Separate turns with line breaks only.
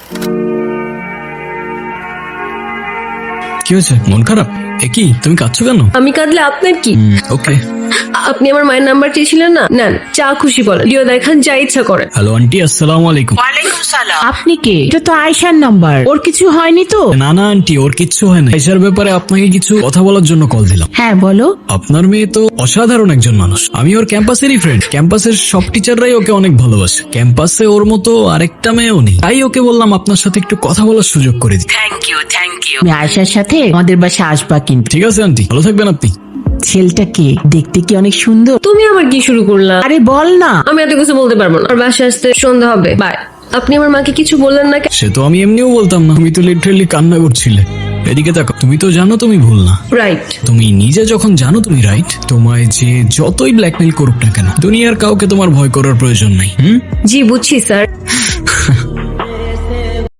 কি হয়েছে, মন খারাপ? কি তুমি কাঁদছো কেন?
আমি কাঁদলে আপনার কি?
ওকে।
আপনি আমার মায়ের নাম্বার চেয়েছিলেন না, নেন, যা খুশি বলেন, ভিডিও দেখান, যা ইচ্ছা করেন।
হ্যালো আন্টি, আসসালামু আলাইকুম।
ওয়ালাইকুম সালাম। আপনি কে? এটা তো আয়েশার নাম্বার। ওর কিছু হয়নি তো?
না না আন্টি, ওর কিচ্ছু হয় না। এটার ব্যাপারে আপনাকে কিছু কথা বলার জন্য কল দিলাম।
হ্যাঁ বলো।
আপনার মেয়ে তো অসাধারণ একজন মানুষ। আমি ওর ক্যাম্পাসেরই ফ্রেন্ড। ক্যাম্পাসের সব টিচাররাই ওকে অনেক ভালোবাসে। ক্যাম্পাসে ওর মতো আরেকটা মেয়েও নেই। তাই ওকে বললাম আপনার সাথে একটু কথা বলার সুযোগ করে দিই।
Thank you. তুমি আয়েশার সাথে আমাদের বাসায় আসবা কিন্তু।
ঠিক আছে আন্টি, ভালো থাকবেন আপনি।
ছেলেটা কে? দেখতে কি অনেক সুন্দর?
তুমি আবার কি শুরু করলা?
আরে বল না।
আমি এত কিছু বলতে পারবো না। আর বাসায় আসতে সন্ধ্যা হবে, বাই। আপনি আমার মাকে কিছু বললেন না কেন?
সে তো আমি এমনিও বলতাম না। তুমি তো লিটারেলি কান্না করছিলে। এদিকে দেখো, তুমি তো জানো তুমি ভুল না।
রাইট।
তুমি নিজে যখন জানো তুমি রাইট, তোমায় যে যতই ব্ল্যাকমেইল করুক না কেন, দুনিয়ার কাউকে তোমার ভয় করার প্রয়োজন নাই।
জি বুঝছি স্যার।